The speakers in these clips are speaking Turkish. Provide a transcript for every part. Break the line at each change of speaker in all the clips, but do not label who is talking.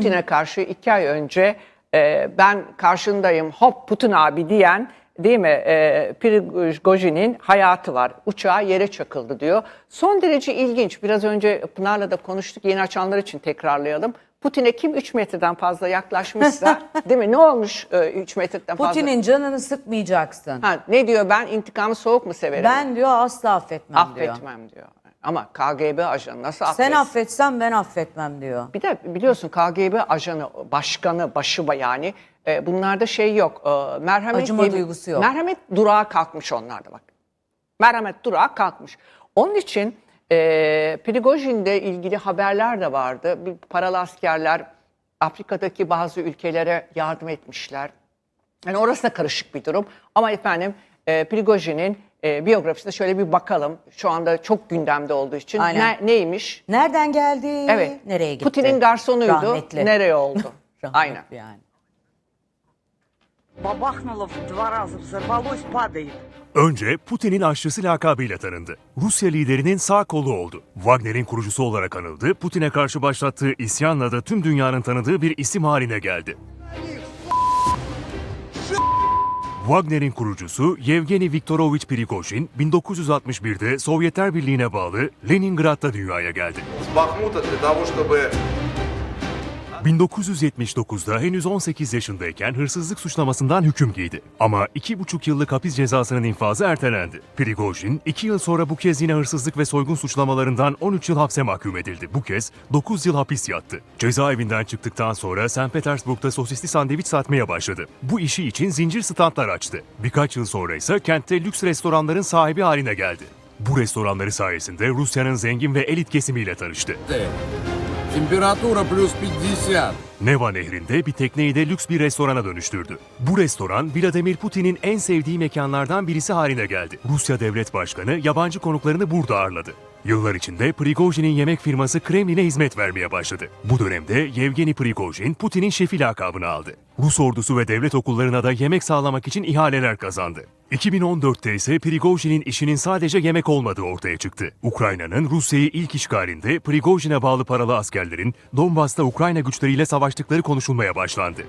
Putin'e karşı 2 ay önce ben karşındayım hop Putin abi diyen, değil mi, Prigojin'in hayatı var. Uçağı yere çakıldı diyor. Son derece ilginç. Biraz önce Pınar'la da konuştuk. Yeni açanlar için tekrarlayalım. Putin'e kim 3 metreden fazla yaklaşmışsa, değil mi? Ne olmuş 3 metreden fazla?
Putin'in canını sıkmayacaksın.
Ha, ne diyor? Ben intikamı soğuk mu severim?
Ben diyor asla affetmem diyor.
Affetmem diyor. Ama KGB ajanı nasıl affetsin?
Sen affetsen ben affetmem diyor.
Bir de biliyorsun KGB ajanı, başkanı, başı yani bunlarda şey yok. Merhamet
Acıma duygusu yok.
Merhamet durağı kalkmış onlarda bak. Merhamet durağı kalkmış. Onun için Prigojin'le ilgili haberler de vardı. Bir paralı askerler Afrika'daki bazı ülkelere yardım etmişler. Yani orası da karışık bir durum. Ama efendim Prigojin'in biyografisine şöyle bir bakalım. Şu anda çok gündemde olduğu için. Neymiş?
Nereden geldi?
Evet.
Nereye gitti?
Putin'in garsonuydu.
Rahmetli.
Nereye oldu? Aynen.
Yani.
Бабахнуло в 2 раза, взорвалось, падает.
Önce Putin'in aşçısı lakabıyla tanındı. Rusya liderinin sağ kolu oldu. Wagner'in kurucusu olarak anıldı. Putin'e karşı başlattığı isyanla da tüm dünyanın tanıdığı bir isim haline geldi. Wagner'in kurucusu Yevgeni Viktorovich Prigojin, 1961'de Sovyetler Birliği'ne bağlı Leningrad'da dünyaya geldi. 1979'da henüz 18 yaşındayken hırsızlık suçlamasından hüküm giydi. Ama 2,5 yıllık hapis cezasının infazı ertelendi. Prigojin 2 yıl sonra bu kez yine hırsızlık ve soygun suçlamalarından 13 yıl hapse mahkum edildi. Bu kez 9 yıl hapis yattı. Cezaevinden çıktıktan sonra St. Petersburg'da sosisli sandviç satmaya başladı. Bu işi için zincir standlar açtı. Birkaç yıl sonra ise kentte lüks restoranların sahibi haline geldi. Bu restoranları sayesinde Rusya'nın zengin ve elit kesimiyle tanıştı.
Температура плюс 50.
Neva Nehri'nde bir tekneyi de lüks bir restorana dönüştürdü. Bu restoran Vladimir Putin'in en sevdiği mekanlardan birisi haline geldi. Rusya Devlet Başkanı yabancı konuklarını burada ağırladı. Yıllar içinde Prigojin'in yemek firması Kremlin'e hizmet vermeye başladı. Bu dönemde Yevgeni Prigojin, Putin'in şefi lakabını aldı. Rus ordusu ve devlet okullarına da yemek sağlamak için ihaleler kazandı. 2014'te ise Prigojin'in işinin sadece yemek olmadığı ortaya çıktı. Ukrayna'nın Rusya'yı ilk işgalinde Prigojin'e bağlı paralı askerlerin Donbas'ta Ukrayna güçleriyle savaştıkları konuşulmaya başlandı.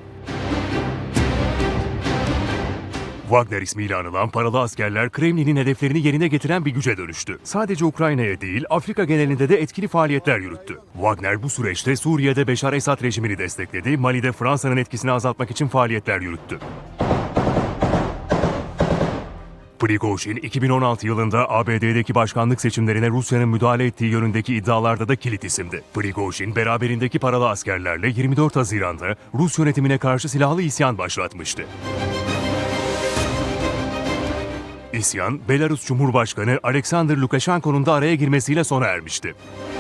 Wagner ismiyle anılan paralı askerler Kremlin'in hedeflerini yerine getiren bir güce dönüştü. Sadece Ukrayna'ya değil, Afrika genelinde de etkili faaliyetler yürüttü. Wagner bu süreçte Suriye'de Beşar Esad rejimini destekledi, Mali'de Fransa'nın etkisini azaltmak için faaliyetler yürüttü. Prigojin, 2016 yılında ABD'deki başkanlık seçimlerine Rusya'nın müdahale ettiği yönündeki iddialarda da kilit isimdi. Prigojin, beraberindeki paralı askerlerle 24 Haziran'da Rus yönetimine karşı silahlı isyan başlatmıştı. İsyan, Belarus Cumhurbaşkanı Alexander Lukashenko'nun da araya girmesiyle sona ermişti.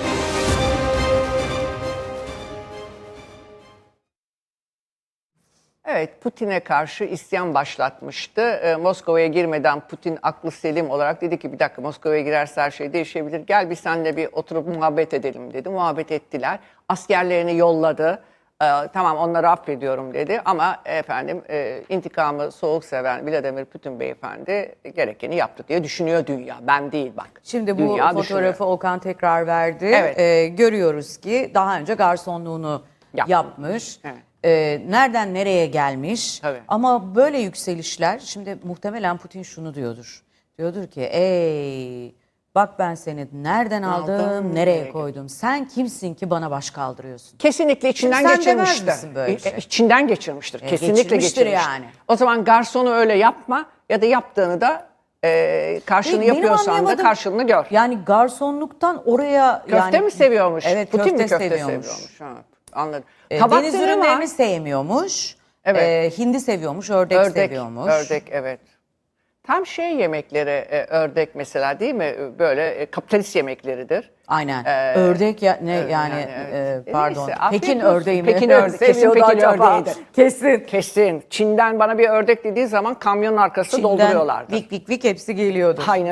Evet, Putin'e karşı isyan başlatmıştı. Moskova'ya girmeden Putin aklı selim olarak dedi ki bir dakika, Moskova'ya girerse her şey değişebilir. Gel bir seninle bir oturup muhabbet edelim dedi. Muhabbet ettiler. Askerlerini yolladı. Tamam, onları affediyorum dedi ama efendim intikamı soğuk seven Vladimir Putin beyefendi gerekeni yaptı diye düşünüyor dünya. Ben değil bak.
Şimdi bu
dünya
fotoğrafı
düşünüyor.
Okan tekrar verdi.
Evet.
Görüyoruz ki daha önce garsonluğunu yapmış.
Evet.
Nereden nereye gelmiş.
Tabii.
Ama böyle yükselişler, şimdi muhtemelen Putin şunu diyordur. Diyordur ki ey bak ben seni nereden aldım, nereye koydum. Sen kimsin ki bana baş kaldırıyorsun.
Kesinlikle içinden
Sen
geçirmiştir.
demez misin böyle şey?
İçinden geçirmiştir. Kesinlikle
geçirmiştir
geçirmiştir.
yani.
O zaman garsonu öyle yapma ya da yaptığını da karşılığını
Benim
yapıyorsan da
anlayamadığım,
karşılığını gör.
Yani garsonluktan oraya
Köfte mi seviyormuş?
Evet,
Putin mi
köfte
köfte
seviyormuş.
Ha, anladım.
Deniz ürünlerini sevmiyormuş.
Evet.
Hindi seviyormuş, ördek seviyormuş.
Ördek, evet. Tam şey yemekleri, ördek mesela, değil mi? Böyle kapitalist yemekleridir.
Aynen. Ördek pardon.
Neyse, afiyet
Pekin
olsun.
ördeği mi?
Pekin ördeği. Kesin
Seviyordu
Pekin
acaba.
ördeğidir.
Kesin.
Kesin. Çin'den bana bir ördek dediği zaman kamyonun arkasında dolduruyorlardı.
Vik vik vik hepsi geliyordu.
Aynen.